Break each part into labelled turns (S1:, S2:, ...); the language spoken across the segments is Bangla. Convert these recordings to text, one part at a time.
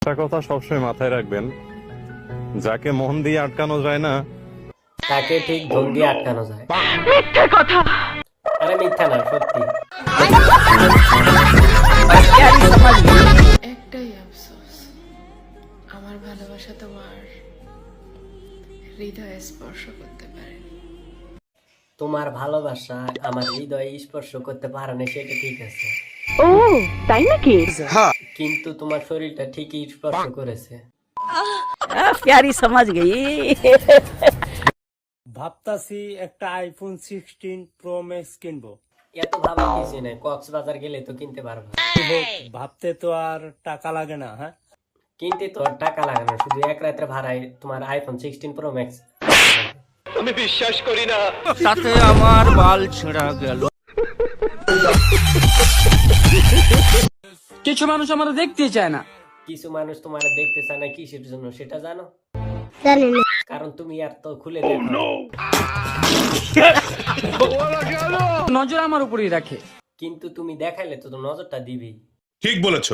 S1: একটা কথা সবসময় মাথায় রাখবেন, যাকে মন দিয়ে আটকানো যায় না
S2: তাকে ঠিক ধন দিয়ে আটকানো যায়। মিথ্যা কথা। আরে মিথ্যা না, সত্যি।
S3: একটাই আফসোস, আমার ভালোবাসা তোমার হৃদয়ে স্পর্শ করতে পারেনি।
S2: তোমার ভালোবাসা আমার হৃদয়ে স্পর্শ করতে পারে না, সেটা ঠিক আছে।
S4: ও তাই নাকি?
S2: কিন্তু তোমার শরীরটা ঠিকই স্পর্শ করেছে।
S4: প্যারি সমাজ গই।
S5: ভাবতাছি একটা আইফোন 16 প্রো ম্যাক্স কিনবো।
S2: এত ভাবা কিছু নেই, কক্সবাজার গেলে তো কিনতে পারবা।
S5: ভাবতে তো আর টাকা লাগে না। হ্যাঁ,
S2: কিনতে তো আর টাকা লাগে না, শুধু এক রাতের ভাড়ায় তোমার আইফোন 16 প্রো ম্যাক্স।
S6: তাতে আমার বাল ছেঁড়া গেল। কিছু মানুষ আমাদের দেখতে চায় না।
S2: কিছু মানুষ তোমার দেখতে চায় না, কিসের জন্য সেটা জানো? কারণ তুমি আর তো খুলে দেখো।
S6: নজর আমার উপরেই রাখে।
S2: কিন্তু তুমি দেখাইলে তো নজরটা দিবি।
S7: ঠিক বলেছো।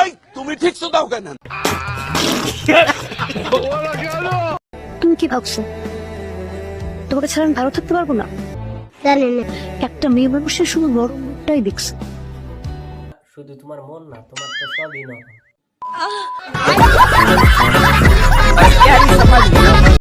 S8: তুমি কি ভাবছো তোমাকে ছাড়া আমি ভালো থাকতে পারবো না? একটা মেয়ে মানুষের শুধু বড় মুখটাই দেখছে।
S2: শুধু তোমার মন না, তোমার তো সবই না।
S4: প্যারি সমাজ